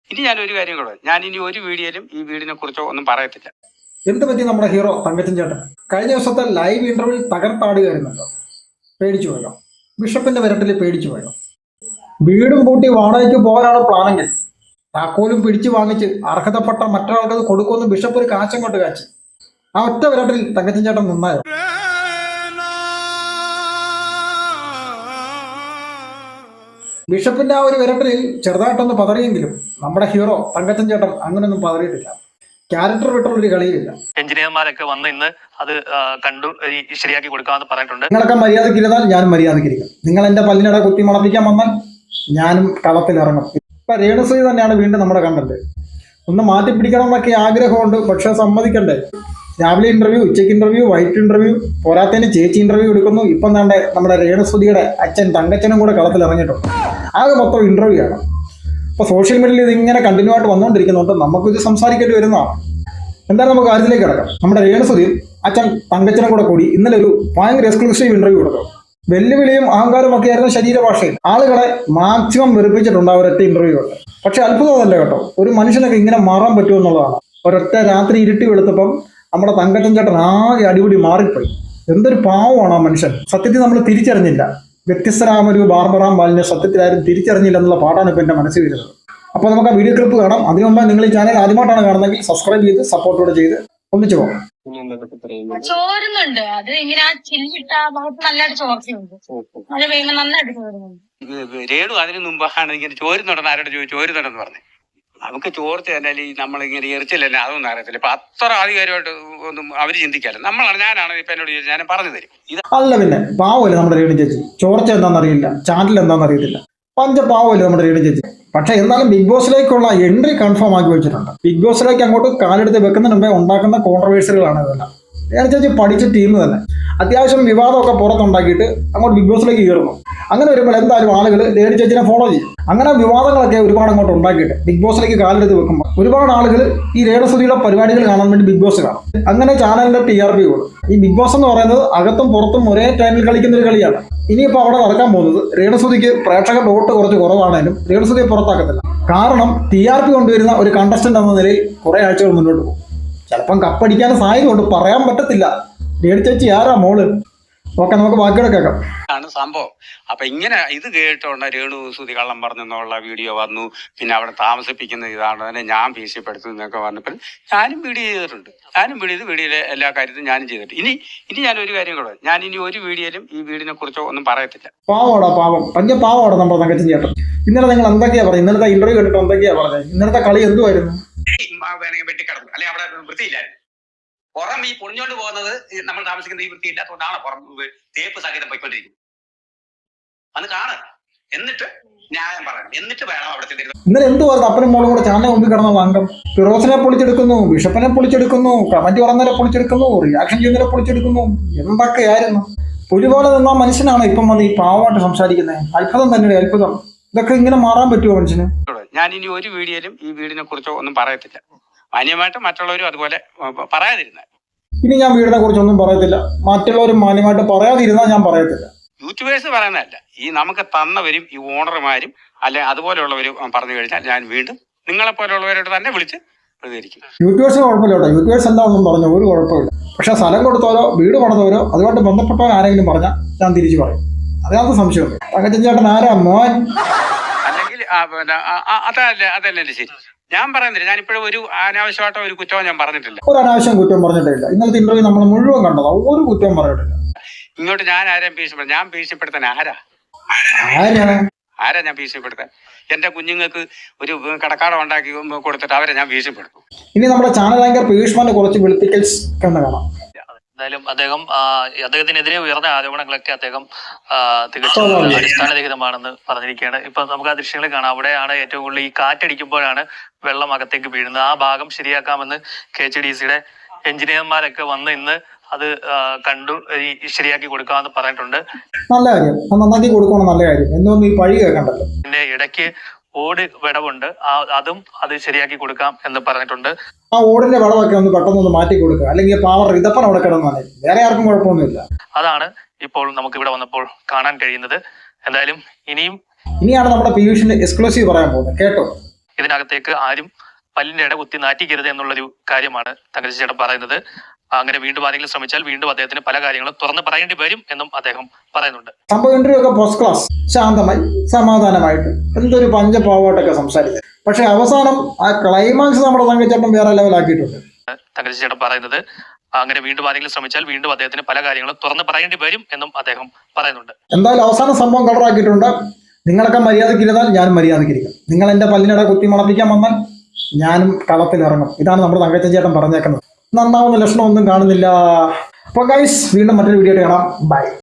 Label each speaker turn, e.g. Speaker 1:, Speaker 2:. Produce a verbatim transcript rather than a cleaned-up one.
Speaker 1: ഇനി ഞാൻ ഒരു കാര്യം കൂടെ, ഞാൻ ഇനി ഒരു വീഡിയോയിലും ഈ വീടിനെ കുറിച്ചോ ഒന്നും പറയത്തില്ല.
Speaker 2: എന്ത് പറ്റി നമ്മുടെ ഹീറോ തങ്കച്ചൻ ചേട്ടൻ കഴിഞ്ഞ ദിവസത്തെ ലൈവ് ഇന്റർവ്യൂ തകർത്താടുകയായിരുന്നല്ലോ. പേടിച്ചു പോയോ? ബിഷപ്പിന്റെ വിരട്ടിൽ പേടിച്ചു പോയോ? വീടും പൂട്ടി വാടകയ്ക്ക് പോകാനാണ് പ്ലാനെങ്കിൽ താക്കോലും പിടിച്ചു വാങ്ങിച്ച് അർഹതപ്പെട്ട മറ്റൊരാൾക്കത് കൊടുക്കുമെന്ന് ബിഷപ്പ് ഒരു കാച്ചം കൊണ്ട് കാച്ചി. ആ ഒറ്റ വിരട്ടിൽ തങ്കച്ചൻ ചേട്ടൻ നിന്നായോ? ബിഷപ്പിന്റെ ആ ഒരു വിരട്ടലിൽ ചെറുതായിട്ടൊന്ന് പതറിയെങ്കിലും നമ്മുടെ ഹീറോ തങ്കച്ചൻ ചേട്ടൻ അങ്ങനെയൊന്നും പതറിയിട്ടില്ല. ക്യാരക്ടർ വിട്ടുള്ളൊരു കളിയില്ല.
Speaker 3: എഞ്ചിനീയർമാരൊക്കെ വന്ന് ഇന്ന് അത് കണ്ടു ശരിയാക്കി കൊടുക്കാമെന്ന് പറഞ്ഞിട്ടുണ്ട്.
Speaker 2: നിങ്ങളൊക്കെ മര്യാദക്കിരുന്നാൽ ഞാനും മര്യാദക്കിരിക്കും. നിങ്ങൾ എന്റെ പല്ലിനിടെ കുത്തി മണപ്പിക്കാൻ വന്നാൽ ഞാനും കളത്തിൽ ഇറങ്ങും. ഇപ്പൊ രേണുസുതി തന്നെയാണ് വീണ്ടും നമ്മുടെ കണ്ടത്. ഒന്ന് മാറ്റി പിടിക്കണം എന്നൊക്കെ ആഗ്രഹമുണ്ട്, പക്ഷെ സമ്മതിക്കണ്ടേ. രാവിലെ ഇന്റർവ്യൂ, ഉച്ചയ്ക്ക് ഇന്റർവ്യൂ, വൈകിട്ട് ഇന്റർവ്യൂ, പോരാത്തതിന് ചേച്ചി ഇന്റർവ്യൂ എടുക്കുന്നു. ഇപ്പം തന്നെ നമ്മുടെ രേണുസുതിയുടെ അച്ഛൻ തങ്കച്ചനും കൂടെ കളത്തിൽ ഇറങ്ങിയിട്ടുണ്ട്. ആകെ മൊത്തം ഇന്റർവ്യൂ ആണ്. അപ്പോൾ സോഷ്യൽ മീഡിയയിൽ ഇതിങ്ങനെ കണ്ടിന്യൂ ആയിട്ട് വന്നുകൊണ്ടിരിക്കുന്നുണ്ട്. നമുക്കിത് സംസാരിക്കേണ്ടി വരുന്നതാണ്. എന്തായാലും നമുക്ക് കാര്യത്തിലേക്ക് കിടക്കാം. നമ്മുടെ രേണുസുതിയും അച്ഛൻ തങ്കച്ചനും കൂടെ കൂടി ഇന്നലെ ഒരു ഭയങ്കര എക്സ്ക്ലൂസീവ് ഇന്റർവ്യൂ കൊടുക്കും. വെല്ലുവിളിയും അഹങ്കാരവും ഒക്കെ ആയിരുന്നു ശരീരഭാഷയിൽ. ആളുകളെ മാക്സിമം വെറുപ്പിച്ചിട്ടുണ്ട് അവരൊറ്റ ഇന്റർവ്യൂ ഉണ്ട്. പക്ഷെ അത്ഭുതമല്ല കേട്ടോ, ഒരു മനുഷ്യനൊക്കെ ഇങ്ങനെ മാറാൻ പറ്റുമെന്നുള്ളതാണ്. ഒരൊറ്റ രാത്രി ഇരുട്ടി വെളുത്തപ്പം നമ്മുടെ തങ്കച്ചൻ ചേട്ടൻ ആകെ അടിപിടി മാറിപ്പോയി. എന്തൊരു പാവമാണ് ആ മനുഷ്യൻ. സത്യത്തിൽ നമ്മൾ തിരിച്ചറിഞ്ഞില്ല. വ്യത്യസ്തരാമൊരു ബാർബറാം ബാലിനെ സത്യത്തിലാരും തിരിച്ചറിഞ്ഞില്ല എന്നുള്ള പാട്ടാണ് ഇപ്പം എൻ്റെ മനസ്സിൽ വരുന്നത്. അപ്പോൾ നമുക്ക് ആ വീഡിയോ ക്ലിപ്പ് കാണാം. അതിനു മുമ്പ് നിങ്ങൾ ഈ ചാനൽ ആദ്യമായിട്ടാണ് കാണുന്നതെങ്കിൽ സബ്സ്ക്രൈബ് ചെയ്ത് സപ്പോർട്ടോടെ ചെയ്ത് ഒന്നിച്ചു പോകാം.
Speaker 4: ചോരുന്നുണ്ട്. അത് ഇങ്ങനെ ആ ചില്ലിട്ട ഭാഗത്ത് നല്ലതായിട്ട് ചോർച്ചയുണ്ട്. മഴ പെയ്യുമ്പോൾ നന്നായിട്ട് ചോരുന്നുണ്ട്.
Speaker 1: രേണു അതിന് മുമ്പാണ് ഇങ്ങനെ ചോരുന്നുണ്ടെന്ന് ആരോട് ചോദിച്ചു, ചോരുന്നുണ്ടെന്ന് പറഞ്ഞു. നമുക്ക് ചോർച്ച തന്നെ ഈ നമ്മളിങ്ങനെ എറിച്ചില്ലല്ലേ അതൊന്നും അറിയത്തില്ല. ഇപ്പൊ അത്ര ആധികാരികമായിട്ട് ഒന്നും അവര് ചിന്തിക്കാല്ലോ. നമ്മളാണ്, ഞാനാണ് ഇപ്പൊ എന്നോട് ചോദിച്ചാൽ ഞാൻ പറഞ്ഞു തരും. ഇത്
Speaker 2: അല്ല പിന്നെ പാവല്ലേ നമ്മുടെ രേണു ചേച്ചി. ചോർച്ച എന്താണെന്നറിയില്ല, ചാനൽ എന്താണെന്ന് അറിയത്തില്ല. പഞ്ച പാവല്ലേ നമ്മുടെ രേണു ചേച്ചി. പക്ഷെ എന്നാലും ബിഗ് ബോസിലേക്കുള്ള എൻട്രി കൺഫേം ആക്കി വെച്ചിട്ടുണ്ട്. ബിഗ് ബോസിലേക്ക് അങ്ങോട്ട് കാലെടുത്ത് വെക്കുന്നതിന് മുമ്പേ ഉണ്ടാക്കുന്ന കോൺട്രവേഴ്സികളാണ് ഇതെല്ലാം. രേണു ചേച്ചി പഠിച്ച ടീം തന്നെ അത്യാവശ്യം വിവാദമൊക്കെ പുറത്തുണ്ടാക്കിയിട്ട് അങ്ങോട്ട് ബിഗ് ബോസിലേക്ക് കയറുന്നു. അങ്ങനെ വരുമ്പോൾ എന്തായാലും ആളുകൾ രേണു ചേച്ചിനെ ഫോളോ ചെയ്യും. അങ്ങനെ വിവാദങ്ങളൊക്കെ ഒരുപാട് അങ്ങോട്ട് ഉണ്ടാക്കിയിട്ട് ബിഗ് ബോസിലേക്ക് കാലെടുത്ത് വെക്കുമ്പോൾ ഒരുപാട് ആളുകൾ ഈ രേണുസുതിയുടെ പരിപാടികൾ കാണാൻ വേണ്ടി ബിഗ് ബോസ് കാണും. അങ്ങനെ ചാനലിന്റെ ടി ആർ പി കൂടും. ഈ ബിഗ് ബോസ് എന്ന് പറയുന്നത് അകത്തും പുറത്തും ഒരേ ടൈമിൽ കളിക്കുന്ന ഒരു കളിയാണ്. ഇനിയിപ്പോൾ അവിടെ നടക്കാൻ പോകുന്നത് രേണുസുതിക്ക് പ്രേക്ഷകരുടെ വോട്ട് കുറച്ച് കുറവാണെങ്കിലും രേണുസുതിയെ പുറത്താക്കത്തില്ല. കാരണം ടി ആർ പി കൊണ്ടുവരുന്ന ഒരു കണ്ടസ്റ്റന്റ് എന്ന നിലയിൽ കുറെ ആഴ്ചകൾ മുന്നോട്ട് പോകും. ചിലപ്പം കപ്പടിക്കാൻ സാധ്യതയുണ്ട്, പറയാൻ പറ്റത്തില്ല. രേണു ചേച്ചി ആരാ മോള്? ഓക്കെ, നമുക്ക് ബാക്കിയുടെ കേൾക്കാം.
Speaker 1: ആണ് സംഭവം. അപ്പൊ ഇങ്ങനെ ഇത് കേട്ടോണ്ട് രേണുസുതി കള്ളം പറഞ്ഞെന്നുള്ള വീഡിയോ വന്നു. പിന്നെ അവിടെ താമസിപ്പിക്കുന്ന ഇതാണ് തന്നെ ഞാൻ ഭീഷണിപ്പെടുത്തും എന്നൊക്കെ പറഞ്ഞപ്പോൾ ഞാനും വീഡിയോ ചെയ്തിട്ടുണ്ട്. ഞാനും വീഡിയോ ചെയ്ത് വീഡിയോയിലെ എല്ലാ കാര്യത്തിലും ഞാനും ചെയ്തിട്ടുണ്ട്. ഇനി ഇനി ഞാൻ ഒരു കാര്യം കൂടെ, ഞാൻ ഇനി ഒരു വീഡിയോയിലും ഈ വീടിനെ കുറിച്ചോ ഒന്നും പറയത്തില്ല.
Speaker 2: പാവോടാ പാവം, പഞ്ച പാവോടാ നമ്മുടെ തങ്കച്ചൻ ചേട്ടൻ. ഇന്നലെ നിങ്ങൾ എന്തൊക്കെയാ പറഞ്ഞത്? ഇന്നലത്തെ ഇന്റർവ്യൂ കണ്ടിട്ട് എന്തൊക്കെയാ പറഞ്ഞത്? ഇന്നലത്തെ കളി എന്തുമായിരുന്നു?
Speaker 1: വേണമെങ്കിൽ വെട്ടിക്കിടന്നു, അല്ലെങ്കിൽ അവിടെ വൃത്തിയില്ലായിരുന്നു. പുറം ഈ പൊളിഞ്ഞോണ്ട് പോകുന്നത് നമ്മൾ താമസിക്കുന്ന ഈ വൃത്തിയില്ലാത്തതുകൊണ്ടാണ് പുറം തേപ്പ് സഹിതം പോയിക്കൊണ്ടിരിക്കുന്നത്. അന്ന് കാണുക, എന്നിട്ട് ന്യായം പറയണം, എന്നിട്ട് വേണം അവിടെ ചെന്നിരുന്നത്.
Speaker 2: ഇന്നലെ എന്തുവായിരുന്നു? അപ്പനും മോളും കൂടെ ചാനൽ മുമ്പിൽ കിടന്ന അംഗം ഫിറോസിനെ പൊളിച്ചെടുക്കുന്നു, ബിഷപ്പിനെ പൊളിച്ചെടുക്കുന്നു, കമന്റ് പറഞ്ഞവരെ പൊളിച്ചെടുക്കുന്നു, റിയാക്ഷൻ ചെയ്യുന്നവരെ പൊളിച്ചെടുക്കുന്നു. എന്തൊക്കെയായിരുന്നു? ഒരുപോലെ നിന്ന മനുഷ്യനാണ് ഇപ്പം വന്ന് ഈ പാവമായിട്ട് സംസാരിക്കുന്നത്. അത്ഭുതം തന്നെയാണ്, അത്ഭുതം. ഇതൊക്കെ ഇങ്ങനെ മാറാൻ പറ്റുമോ മനുഷ്യന്?
Speaker 1: ഞാൻ ഇനി ഒരു വീഡിയോയിലും ഈ വീടിനെ കുറിച്ചോ ഒന്നും പറയത്തില്ല. മാന്യമായിട്ട് മറ്റുള്ളവരും അതുപോലെ പറയാതിരുന്നാൽ.
Speaker 2: ഇനി ഞാൻ വീടിനെ കുറിച്ചൊന്നും പറയത്തില്ല. മറ്റുള്ളവരും മാന്യമായിട്ട് പറയാതിരുന്നാൽ ഞാൻ പറയത്തില്ല.
Speaker 1: യൂട്യൂബേഴ്സ് പറയുന്നതല്ല, ഈ നമുക്ക് തന്നവരും ഈ ഓണർമാരും അല്ലെ അതുപോലെയുള്ളവരും പറഞ്ഞു കഴിഞ്ഞാൽ ഞാൻ വീണ്ടും നിങ്ങളെ പോലെയുള്ളവരോട് തന്നെ വിളിച്ച് പ്രതികരിക്കും.
Speaker 2: യൂട്യൂബേഴ്സിന് കുഴപ്പമില്ല കേട്ടോ. യൂട്യൂബേഴ്സ് എന്താ ഒന്നും പറഞ്ഞു ഒരു കുഴപ്പമില്ല. പക്ഷെ സ്ഥലം കൊടുത്തവരോ വീട് പണിതവരോ അതുമായിട്ട് ബന്ധപ്പെട്ടവരോ ആരെങ്കിലും പറഞ്ഞാൽ ഞാൻ തിരിച്ചു പറയും. അതിനകത്ത് സംശയമുണ്ട്. തങ്കച്ചൻ ചേട്ടൻ ആരാ മോൻ?
Speaker 1: അല്ലെങ്കിൽ പിന്നെ അതല്ല അതല്ല എന്റെ ശരി. ഞാൻ പറയുന്നില്ല, ഞാൻ ഇപ്പോഴും ഒരു അനാവശ്യമായിട്ടോ ഒരു കുറ്റവും ഞാൻ പറഞ്ഞിട്ടില്ല.
Speaker 2: ഒരു അനാവശ്യം കുറ്റം പറഞ്ഞിട്ടില്ല. ഇന്നലത്തെ ഇന്റർവ്യൂ നമ്മൾ മുഴുവൻ കണ്ടതാ, ഒരു കുറ്റവും പറഞ്ഞിട്ടില്ല.
Speaker 1: ഇങ്ങോട്ട് ഞാൻ ആരെയും ഭീഷണിപ്പെടുത്താൻ ഞാൻ ഭീഷണിപ്പെടുത്താൻ ആരാ ആരാ ഞാൻ ഭീഷണിപ്പെടുത്താൻ? എന്റെ കുഞ്ഞുങ്ങൾക്ക് ഒരു കടക്കാടം ഉണ്ടാക്കി കൊടുത്തിട്ട് അവരെ ഞാൻ ഭീഷണിപ്പെടുത്തും.
Speaker 2: ഇനി നമ്മുടെ ചാനൽ ആങ്കർ പീയൂഷ്മാന്റെ കുറച്ച് വെളുപ്പിക്കൽസ് കണ്ടു കാണാം.
Speaker 3: എന്തായാലും അദ്ദേഹം അദ്ദേഹത്തിനെതിരെ ഉയർന്ന ആരോപണങ്ങളൊക്കെ അദ്ദേഹം തികച്ചും അടിസ്ഥാനരഹിതമാണെന്ന് പറഞ്ഞിരിക്കുകയാണ്. ഇപ്പൊ നമുക്ക് ആ ദൃശ്യങ്ങൾ കാണാം. അവിടെയാണ് ഏറ്റവും കൂടുതൽ ഈ കാറ്റടിക്കുമ്പോഴാണ് വെള്ളം അകത്തേക്ക് വീഴുന്നത്. ആ ഭാഗം ശരിയാക്കാമെന്ന് കെ എച്ച് ഡി സിയുടെ എഞ്ചിനീയർമാരൊക്കെ വന്ന് ഇന്ന് അത് കണ്ടു ശരിയാക്കി കൊടുക്കാമെന്ന് പറഞ്ഞിട്ടുണ്ട്.
Speaker 2: നല്ല കാര്യം, നന്നാക്കി കൊടുക്കണം, നല്ല കാര്യം. എന്നൊന്നും ഈ പഴി കേൾക്കണ്ടല്ലോ.
Speaker 3: പിന്നെ ഇടയ്ക്ക് ഓട് വിടവുണ്ട്, അതും അത് ശരിയാക്കി കൊടുക്കാം എന്ന് പറഞ്ഞിട്ടുണ്ട്.
Speaker 2: ആ ഓടിന്റെ വിടവൊക്കെ ഒന്ന് പെട്ടെന്ന് മാറ്റി കൊടുക്കുക, അല്ലെങ്കിൽ പാവർ ഇതപ്പൻ അവിടെ കിടന്നാലേ വേറെ ആർക്കും കുഴപ്പമൊന്നുമില്ല.
Speaker 3: അതാണ് ഇപ്പോൾ നമുക്ക് ഇവിടെ വന്നപ്പോൾ കാണാൻ കഴിയുന്നത്. എന്തായാലും ഇനിയും
Speaker 2: ഇനിയാണ് നമ്മുടെ പീയൂഷിന്റെ എക്സ്ക്ലൂസീവ് പറയാൻ പോകുന്നത്, കേട്ടോ.
Speaker 3: ഇതിനകത്തേക്ക് ആരും പല്ലിന്റെ ഇട കുത്തി നാറ്റിക്കരുത് എന്നുള്ളൊരു കാര്യമാണ് തങ്കച്ചി ചേട്ടൻ പറയുന്നത്. അങ്ങനെ വീണ്ടും ആരെങ്കിലും ശ്രമിച്ചാൽ വീണ്ടും അദ്ദേഹത്തിന് പല കാര്യങ്ങളും തുറന്ന് പറയേണ്ടി വരും എന്നും അദ്ദേഹം പറയുന്നുണ്ട്.
Speaker 2: സംഭവം ഇന്റർവ്യൂ ഒക്കെ ഫസ്റ്റ് ക്ലാസ്, ശാന്തമായി സമാധാനമായിട്ട് എന്തൊരു പഞ്ചപാവായിട്ടൊക്കെ സംസാരിച്ചത്. പക്ഷെ അവസാനം ആ ക്ലൈമാക്സ് നമ്മുടെ തങ്കച്ചേട്ടൻ വേറെ ലെവലാക്കിയിട്ടുണ്ട്.
Speaker 3: തങ്കച്ചി ചേട്ടൻ പറയുന്നത് അങ്ങനെ വീണ്ടും ആരെങ്കിലും ശ്രമിച്ചാൽ വീണ്ടും അദ്ദേഹത്തിന് പല കാര്യങ്ങളും തുറന്ന് പറയേണ്ടി വരും എന്നും അദ്ദേഹം പറയുന്നുണ്ട്.
Speaker 2: എന്തായാലും അവസാനം സംഭവം കളറാക്കിയിട്ടുണ്ട്. നിങ്ങളൊക്കെ മര്യാദക്കിരുന്നാൽ ഞാനും മര്യാദക്കിരിക്കും. നിങ്ങൾ എന്റെ പല്ലിനിടെ കുത്തി മണപ്പിക്കാൻ വന്നാൽ ഞാനും കളത്തിലിറങ്ങും. ഇതാണ് നമ്മുടെ തങ്കച്ചൻ ചേട്ടൻ പറഞ്ഞേക്കുന്നത്. നന്നാവുന്ന ലക്ഷണമൊന്നും കാണുന്നില്ല. അപ്പോൾ ഗൈസ്, വീണ്ടും മറ്റൊരു വീഡിയോ കാണാം. ബൈ.